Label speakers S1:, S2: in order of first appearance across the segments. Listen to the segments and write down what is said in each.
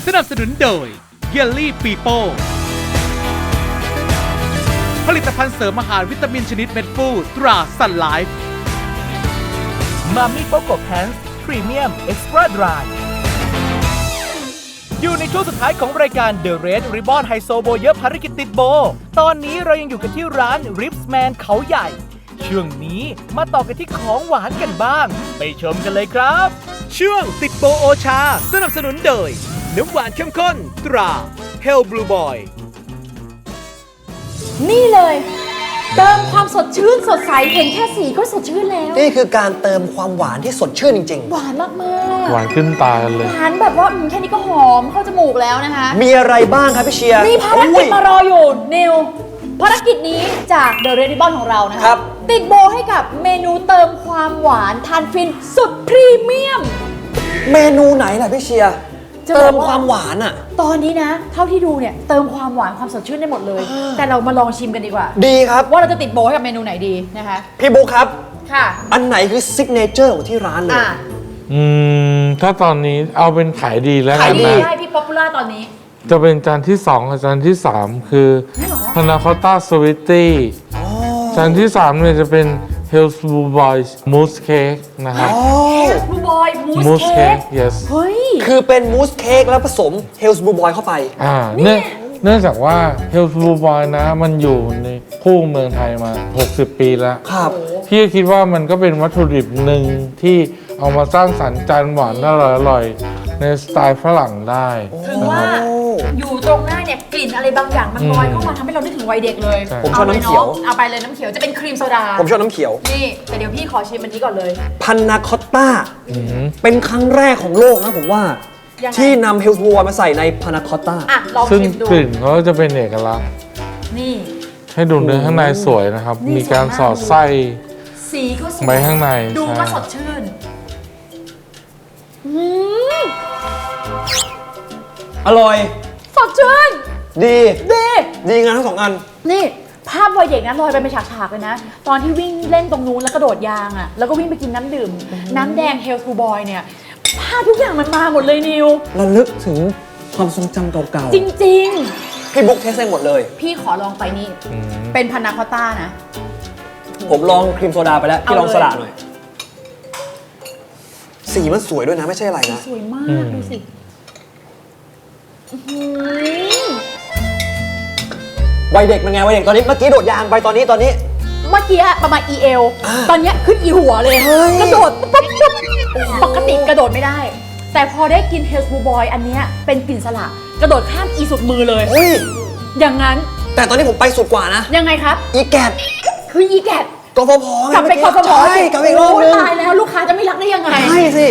S1: สนับสนุนโดยเยลลี่ปีโป้ผลิตภัณฑ์เสริมอาหารวิตามินชนิดเม็ดฟูตราซันไลฟ์มามิโปโกแพนส์พรีเมียมเอ็กซ์ตร้าดรายอยู่ในช่วงสุดท้ายของรายการ The Red Ribbon ไฮโซโบเยอะภารกิจติดโบตอนนี้เรายังอยู่กันที่ร้าน Ripsman เขาใหญ่ช่วงนี้มาต่อกันที่ของหวานกันบ้างไปชมกันเลยครับช่วงติดโบโอชาสนับสนุนโดยน้ำหวานเข้มข้นตรา Hell Blue Boy
S2: นี่เลยเติมความสดชื่นสดใสเห็นแค่สีก็สดชื่นแล้ว
S3: นี่คือการเติมความหวานที่สดชื่นจริง
S2: หวานมากๆ
S4: หวานขึ้นตากันเลย
S2: หวานแบบว่าแค่นี้ก็หอมเข้าจมูกแล้วนะคะ
S3: ๆ มีอะไรบ้างครับพี่เชียร์
S2: มีภารกิจมารออยู่นิวภารกิจนี้จาก The Red Ribbon ของเรานะคะติดโบให้กับเมนูเติมความหวานทานฟินสุดพรีเมียม
S3: เมนูไหนล่ะพี่เชียร์เติมความหวานอ่ะ
S2: ตอนนี้นะเท่าที่ดูเนี่ยเติมความหวานความสดชื่นได้หมดเลย แต่เรามาลองชิมกันดีกว่า
S3: ดีครับ
S2: ว่าเราจะติดโบให้กับเมนูไหนดีนะคะ
S3: พี่บุ๊คครับ
S2: ค่ะ
S3: อันไหนคือซิกเนเจอร์ของที่ร้านเลย
S4: ถ้าตอนนี้เอาเป็นขายดีแล้วกั
S2: ขาย
S4: น
S2: ดี
S4: นะ
S2: ได้พี่ป๊อปปูล่าตอนนี้
S4: จะเป็นจานที่2กับจานที่ 3 คือพานาคอตต้าสวิตตี้จานที่ 3เนี่ยจะเป็น Hell's Blue Boy Mousse Cake นะครับ
S2: Hell's Blue Boy Mousse
S4: Mousse
S2: Cake
S4: Cake yes
S2: เฮ้ย
S3: คือเป็นมูสเค้กแล้วผสมเฮลส์บลูบอยเข้าไป
S4: เนื่องจากว่า Hell's Blue Boy นะมันอยู่ในคู่เมืองไทยมา60 ปีแล้ว
S3: ครับ
S4: พี่คิดว่ามันก็เป็นวัตถุดิบหนึ่งที่เอามาสร้างสรรค์จานหวานอร่อยๆในสไตล์ฝรั่งได้
S2: ถึงว่าอยู่ตรงหน้าเนี่ยกลิ่นอะไรบางอย่างมันลอยเข้ามาทำให้เรานึกถึงวัยเด็กเลย
S3: ผมชอบน้ำเขียว
S2: เอาไปเลยน้ำเขียวจะเป็นครีมโซดา
S3: ผมชอบน้ำเขียว
S2: นี่แต่เดี๋ยวพี่ขอชิมอันนี้ก่อนเลย
S3: พานาคอตต้าเป็นครั้งแรกของโลกนะผมว่าที่นำเฮลส์บลูบอยมาใส่ในพานาคอตต้า
S2: ลอง
S4: ซึ่ง
S2: ชิมดู
S4: กลิ่นเขาจะเป็นเอกลักษณ์
S2: นี่
S4: ให้ดูเนื้อข้างในสวยนะครับมีการสอดไส้
S2: สีก็สวย
S4: ไว้ข้างใน
S2: ดูก็สดชื่น
S3: อร่อย
S2: สดชื่น
S3: ดีงานทั้ง2อัน
S2: นี่ภาพวัยเด็กนะลอยไปเป็นฉากๆเลยนะตอนที่วิ่งเล่นตรงนู้นแล้วกระโดดยางอ่ะแล้วก็วิ่งไปกินน้ำดื่มน้ำแดง Hell's Blue Boy เนี่ยภาพทุกอย่างมันมาหมดเลยนิว
S3: ระลึกถึงความทรงจำเก่า
S2: ๆจริง
S3: ๆพี่บุ๊กเทสได้หมดเลย
S2: พี่ขอลองไปนี่เป็นพานาคอตต้านะ
S3: ผมลองครีมโซดาไปแล้วพี่ลองสละหน่อยสีมันสวยด้วยนะไม่ใช่อะไรนะ
S2: สวยมากดูสิ
S3: วัยเด็กเป็นไงวัยเด็กตอนนี้เมื่อกี้โดดยางไปตอนนี้
S2: เมื่อกี้ประมาณ EL ตอนนี้ขึ้น E หัวเลยกระโดดปุ๊บปกติกระโดดไม่ได้แต่พอได้กิน Hell's Blue Boy อันนี้เป็นกลิ่นสละกระโดดข้าม E สุดมือเลยอย่างนั้น
S3: แต่ตอนนี้ผมไปสุดกว่านะ
S2: ยังไงครับ
S3: อีแกด
S2: คือ E แกด
S3: กฟผ
S2: กลับไปกฟผ
S3: ใช่กลับไปอีกรอบนึง
S2: ตายแล้วลูกค้าจะไม่รักได้ยังไง
S3: ใช่สิ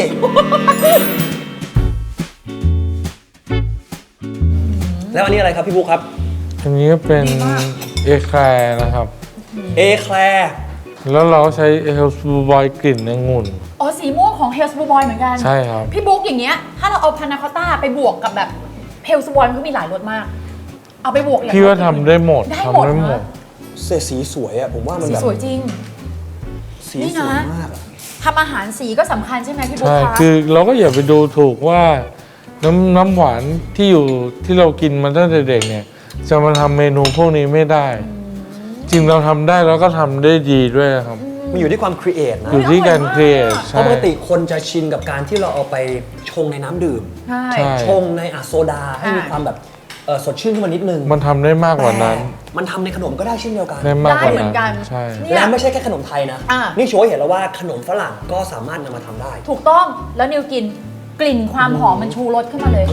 S3: แล้วอันนี้อะไรครับพี่บุ๊คครับ
S4: อันนี้เป็นเอแคลร์นะครับ
S3: เอแคลร์
S4: แล้วเราใช้ Hell's Blue Boy กลิ่นองุ่น
S2: สีม่วงของ Hell's Blue Boy เหมือนกัน
S4: ใช่ครับ
S2: พี่บุ๊กอย่างเงี้ยถ้าเราเอาพานาคอตต้าไปบวกกับแบบ Hell's Blue Boy มันก็มีหลายรสมากเอาไปบวก
S4: พี่ว่าทำได้หมด
S3: สีสวยอะผมว่ามันแบบ
S2: สวยจริง
S3: สีสวยมาก
S2: ทำอาหารสีก็สำคัญใช่ไหมพี่บุ๊คคะ
S4: คือเราก็อย่าไปดูถูกว่าน้ำหวานที่เรากินมาตั้งแต่เด็กเนี่ยจะมาทำเมนูพวกนี้ไม่ได้จริงเราทำได้แล้วก็ทำได้ดีด้วยครับ
S3: มันอยู่ที่ความครีเอทนะ
S4: อยู่ที่การครีเอท
S3: ปกติคนจะชินกับการที่เราเอาไปชงในน้ำดื่มชงในโซดาให้มีความแบบสดชื่นขึ้นมานิดนึง
S4: มันทำได้มากกว่านั้น
S3: มันทำในขนมก็ได้เช่นเดียวกัน
S2: ได้เหมือนกัน
S4: ใช่
S3: และไม่ใช่แค่ขนมไทยนะนี่โชว์ให้เห็นแล้วว่าขนมฝรั่งก็สามารถนำมาทำได้
S2: ถูกต้องแล้วนิวกินกลิ่นความหอมมันชูรสขึ้นมาเลย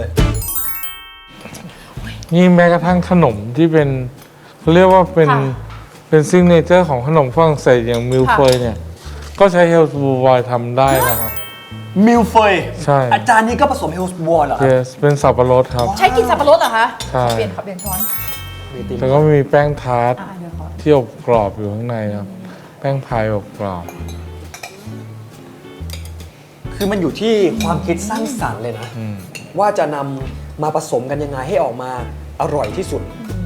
S4: นี่แม้กระทั่งขนมที่เป็นเขาเรียกว่าเป็นซิกเนเจอร์ของขนมฝรั่งเศสอย่างมิลเฟยเนี่ยก็ใช้ Hell's Blue Boy ทำได้นะครับ
S3: มิลเฟย
S4: ใช่
S3: อาจารย์นี้ก็ผสม Hell's Blue Boy เหรอ
S4: Yes เป็นสับปะรดครับ
S2: ใช้กินสับปะรดเหรอคะ
S4: ใช่
S2: เปลี่ยนช้อน
S4: แล้วก็มีแป้งทาร์ตที่อบกรอบอยู่ข้างในครับแป้งพายอบกรอบ
S3: คือมันอยู่ที่ความคิดสร้างสรรค์เลยนะว่าจะนำมาผสมกันยังไงให้ออกมาอร่อยที่สุด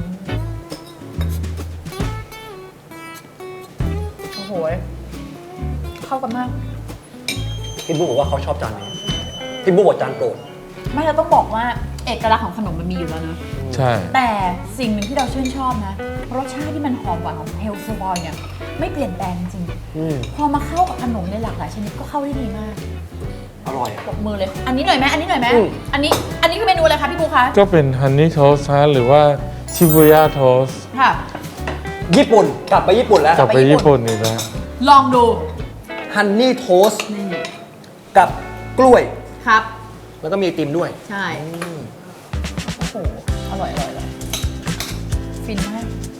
S2: โอ้โหเข้ากันมาก
S3: พี่บุ๊กบอกว่าเขาชอบจานนี้พี่บุ๊กบอกจานโปรด
S2: ไม่เราต้องบอกว่าเอกลักษณ์ของขนมมันมีอยู่แล้วนะ
S4: ใช่
S2: แต่สิ่งหนึ่งที่เราชื่นชอบนะรสชาติที่มันหอมหวานของเฮลซูบอยเนี่ยไม่เปลี่ยนแปลงจริง พอมาเข้ากับขนมในหลากหลายชนิดก็เข้าได้ดีมาก
S3: อร่อย
S2: ปรบมือเลย อันนี้หน่อยไหมอันนี้หน่อยไหม
S3: อืม
S2: อันนี้คือเมนูอะไรคะพี่ปูคะ
S4: ก็เป็นฮันนี่โทสต์หรือว่าชิบุย่าโทสต์
S2: ค่ะ
S3: ญี่ปุ่นกลับไปญี่ปุ่นแล้ว
S4: กลับไปญี่ปุ่นอีกแล้ว
S2: ลองดู
S3: ฮันนี่โทสต์
S2: นี่
S3: กับกล้วย
S2: ครับ
S3: แล้วก็มีไอติมด้วย
S2: ใช่โอ้โหอร่อยฟินมาก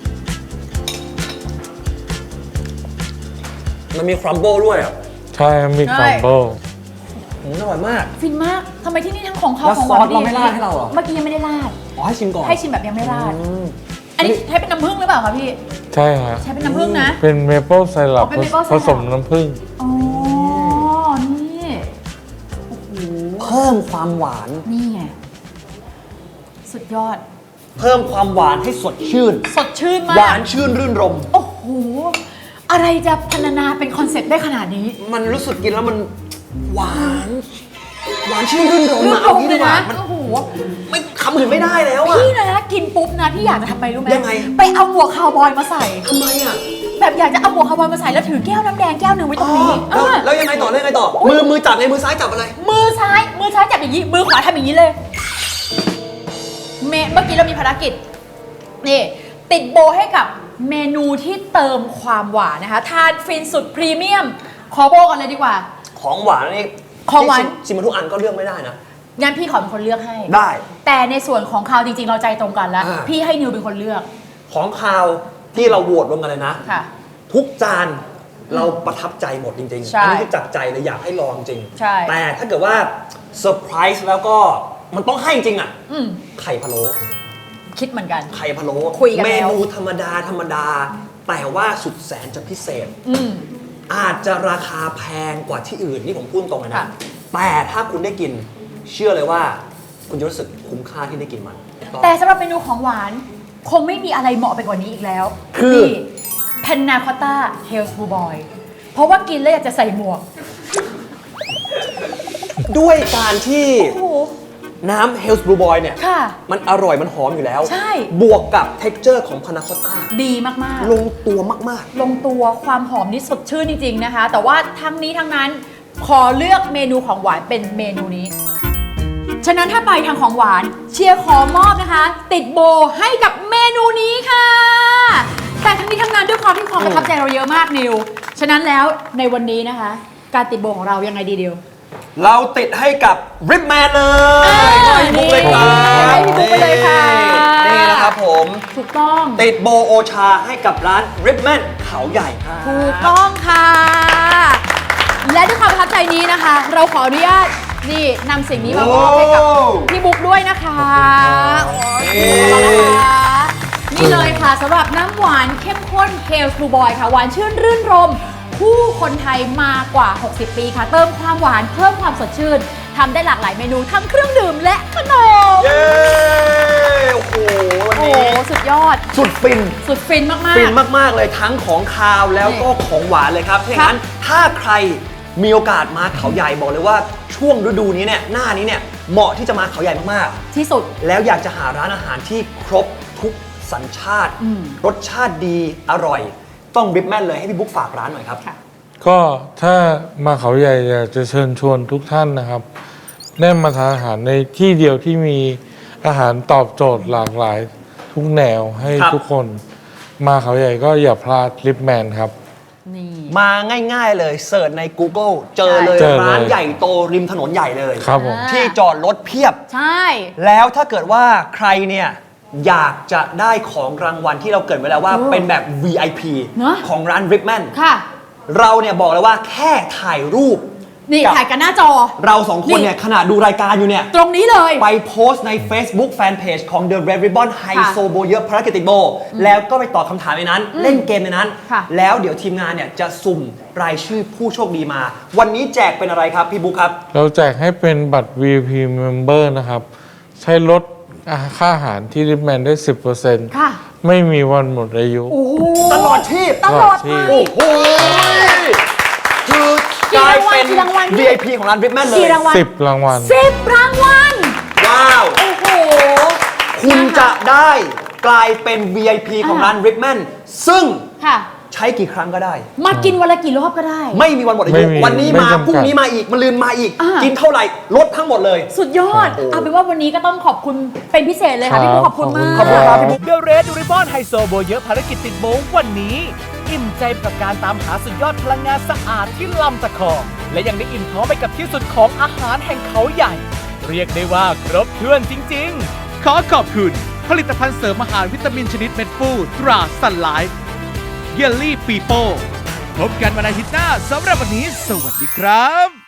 S3: มันมีครัมเบิลด้วยอ่ะ
S4: ใช่มีครัมเบิล
S3: อร่อยมาก
S2: ฟินมากทำไมที่นี่ทั้งของเขา
S3: แล้ว
S2: ของ
S3: ซอส
S2: ดี
S3: เราไม่ราดให้เราเหรอ
S2: เมื่อกี้ยังไม่ได้ราด
S3: อ๋อให้ชิมก่อน
S2: ให้ชิมแบบยังไม่ราด
S3: อืม
S2: อันนี้ใช้เป็นน้ำผึ้งหรือเปล่าคะพี่
S4: ใช่ครับ
S2: ใช้เป็นน้ำผึ้งนะ
S4: เป็นเมเปิลไซรัป
S2: เป็น maple
S4: ผสม
S2: syrup
S4: น้ำผึ้ง
S2: อ๋อ นี่ โอ้โห
S3: เพิ่มความหวาน
S2: นี่ไง สุดยอด
S3: เพิ่มความหวานให้สดชื่น
S2: สดชื่นมา
S3: หวาก นชื่นรื่นรม
S2: โอ้โห อะไรจะพรรณนาเป็นคอนเซ็ปต์ได้ขนาดนี้
S3: มันรู้สึกกินแล้วมันหวานหวานชื่นรื่นรม
S2: เรื่อ
S3: อะ
S2: ง
S3: เอา
S2: ลง
S3: งี้
S2: เล
S3: ดี
S2: ย
S3: กว่า
S2: นะ
S3: มัน
S2: โอ้โห
S3: ไม่คำอื่นไม่ได้แล้วอะ
S2: พี่นะกินปุ๊บนะพี่อยากจะทำไปรู้ไหม
S3: ยังไง
S2: ไปเอาหมวกคาวบอยมาใส่
S3: ทำไมอะ
S2: แบบอยากจะเอาหมวกคาวบอยมาใส่แล้วถือแก้วน้ำแดงแก้วหนึ่งไว้ตรงนี้
S3: แล้วยังไงต่อแล้วยังไงต่อ มือจับไงมือซ้ายจับอะไร
S2: มือซ้ายจับอย่างนี้ มือขวาทำอย่างนี้เลย เมื่อกี้เรามีภารกิจ นี่ ติดโบให้กับเมนูที่เติมความหวานนะคะ ทานฟินสุดพรีเมียม ขอโบกันเลยดีกว่า
S3: ของหวานนี่
S2: ของหวาน
S3: ชิมมาทุกอันก็เลือกไม่ได้นะ
S2: งั้นพี่ขอเป็นคนเลือกให้
S3: ได้
S2: แต่ในส่วนของคาวจริงๆ เราใจตรงกันแล้ว
S3: อ่า
S2: พี่ให้นิวเป็นคนเลือก
S3: ของคาวที่เราโหวตรวมกันเลยนะ
S2: ค่ะ
S3: ทุกจานเราประทับใจหมดจริงๆ
S2: ใช่
S3: อันี้คือจากใจเลยอยากให้ลองจริง
S2: ใช่
S3: แต่ถ้าเกิดว่าเซอร์ไพรส์แล้วก็มันต้องให้จริงอ่ะ
S2: อืม
S3: ไข่พะโล้
S2: คิดเหมือนกัน
S3: ไข่พะโล้
S2: คุยกัน
S3: เม
S2: แล้ว
S3: นูธรรมดาแต่ว่าสุดแสนจะพิเศษ
S2: อืม
S3: อาจจะราคาแพงกว่าที่อื่นนี่ผมพูดตรงเลยนะ
S2: ค่ะ
S3: แต่ถ้าคุณได้กินเชื่อเลยว่า คุณจะรู้สึกคุ้มค่าที่ได้กินมัน
S2: แต่สำหรับเมนูของหวาน คงไม่มีอะไรเหมาะไปกว่านี้อีกแล้ว
S3: คือ
S2: นี่เพนนาคอตต้าเฮลส์บูบอยเพราะว่ากินแล้วอยากจะใส่หมวก
S3: ด้วยการที่
S2: โอ้โห
S3: น้ำเฮลส์บลูบอยเนี่ย
S2: ค่ะ
S3: มันอร่อยมันหอมอยู่แล้ว
S2: ใช่
S3: บวกกับเท็กเจอร์ของพานาคอตต้า
S2: ดีมาก
S3: ลงตัวมาก
S2: ๆ ลงตัวความหอมนี่สดชื่นจริง ๆ นะคะ แต่ว่าทั้งนี้ทั้งนั้นขอเลือกเมนูของหวานเป็นเมนูนี้ ฉะนั้นถ้าไปทางของหวานเชียร์ขอมอบนะคะ ติดโบให้กับเมนูนี้ค่ะ แต่ทั้งนี้ทั้งนั้นด้วยความที่ความประทับใจเราเยอะมากนิว ฉะนั้นแล้วในวันนี้นะคะ การติดโบของเรายังไงดีเดียว
S3: ๆ เราติดให้กับริปแมนเลย ให้พี่บุ๊กเลยครับ
S2: ให้พี่บุ๊กไปเลยค่ะ
S3: นี่นะครับผม
S2: ถูกต้อง
S3: ติดโบโอชาให้กับร้านริปแมนเขาใหญ่ครับ
S2: ถูกต้องค่ะ และด้วยความประทับใจนี้นะคะ เราขออนุญาตนี่นำสิ่งนี้มามอบให้กับพี่บุ๊กด้วยนะคะโอ้ยขอบคุณนะคะนี่เลยค่ะสำหรับน้ำหวานเข้มข้นเฮลส์บลูบอยค่ะ หวานชื่นรื่นรมผู้คนไทยมากว่า 60 ปีค่ะ เติมความหวานเพิ่มความสดชื่นทำได้หลากหลายเมนูทั้งเครื่องดื่มและขนม
S3: เย้ โอ้โห วัน
S2: โอ้
S3: นี้
S2: สุดยอด
S3: สุดฟิน
S2: สุดฟินมากๆ
S3: ฟินมาก ๆ เลยทั้งของคาวแล้วก็ของหวานเลยครับถ้าอย่างนั้นถ้าใครมีโอกาสมาเขาใหญ่บอกเลยว่าช่วงฤดูนี้เนี่ยหน้านี้เนี่ยเหมาะที่จะมาเขาใหญ่มาก
S2: ที่สุด
S3: ๆ แล้วอยากจะหาร้านอาหารที่ครบทุกสัญชาติ รสชาติดีอร่อย ต้องริปแมนเลยให้พี่บุ๊กฝากร้านหน่อยครับ
S2: ค่ะ
S4: ก็ถ้ามาเขาใหญ่อยากจะเชิญชวนทุกท่านนะครับ ได้มาทานอาหารในที่เดียวที่มีอาหารตอบโจทย์หลากหลายทุกแนวให้
S3: ครับ
S4: ทุกคน มาเขาใหญ่ก็อย่าพลาดลิปแมนครับ
S2: นี่
S3: มาง่าย ๆ เลยเสิร์ชใน Google เจอเลย
S4: เจอเลย
S3: ร้านใหญ่โตริมถนนใหญ่เลย
S4: ครับผม
S3: ที่จอดรถเพียบ
S2: ใช่
S3: แล้วถ้าเกิดว่าใครเนี่ยอยากจะได้ของรางวัลที่เราเกริดไว้แล้วว่าเป็นแบบ VIP
S2: เนอะ
S3: ของร้าน Ripman
S2: ค่ะ
S3: เราเนี่ยบอกเลยว่าแค่ถ่ายรูป
S2: นี่
S3: กับ
S2: ถ่ายกันหน้าจอ
S3: เราสองคนเนี่ยขณะดูรายการอยู่เนี่ย
S2: ตรงนี้เลย
S3: ไปโพสต์ใน Facebook Fanpage ของ The Red Ribbon ไฮโซโบเยอะภารกิจติดโบ แล้วก็ไปตอบคำถามในนั้น เล่นเกมในนั้น
S2: ค่ะ
S3: แล้วเดี๋ยวทีมงานเนี่ยจะสุ่มรายชื่อผู้โชคดีมา วันนี้แจกเป็นอะไรครับพี่บุ๊คครับ
S4: เราแจกให้เป็นบัตร VIP Member นะครับ ใช้ลดค่าอาหารที่ลิปแมนได้ 10%
S2: ค่ะ
S4: ไม่มีวันหมดอายุ
S2: โอ้โห
S3: ตลอดชีพ
S2: ตลอด
S4: ตลอดชี
S2: ไป
S4: พ
S3: โอ้โหคือกลายเป็น
S2: กี่รางวัล
S3: VIP ของร้าน Ripman เลย
S2: กี่รางวัล
S4: 10 รางวัล
S2: 10 รางวัล
S3: ว้าว
S2: โอ้โห
S3: คุณจะได้กลายเป็น VIP ของร้าน Ripman ซึ่ง
S2: ค่ะ
S3: ใช้กี่ครั้งก็ได้
S2: มากินวันละกี่รอบก็ได้
S3: ไม่มีวันหมดอา
S4: ไม่
S3: ยุ
S4: มี
S3: วันนี้
S4: ไม่
S3: มา
S4: จำกัด
S3: พรุ่งนี้มาอีกมะรืนมาอีก
S2: อ่ากิ
S3: กินเท่าไหร่ลดทั้งหมดเลย
S2: สุดยอด เอาเป็นว่าวันนี้ก็ต้องขอบคุณเป็นพิเศษเลยค่ะพี่บุ๊คขอบคุณมาก
S3: ขอบคุณครับพี่บุ๊ค
S1: The Red Ribbon ไฮโซโบเยอะภารกิจติดโบวันนี้ อิ่มใจกับการตามหาสุดยอดพลังงานสะอาดที่ลำตะคองและยังได้อิ่มท้องไปกับที่สุดของอาหารแห่งเขาใหญ่ เรียกได้ว่าครบถ้วนจริงๆ ขอขอบคุณผลิตภัณฑ์เสริมอาหารวิตามินชนิดเม็ดฟูตราซันไลฟ์เยลลี่ปีโป้พบกันวันอาทิตย์หน้าสำหรับวันนี้สวัสดีครับ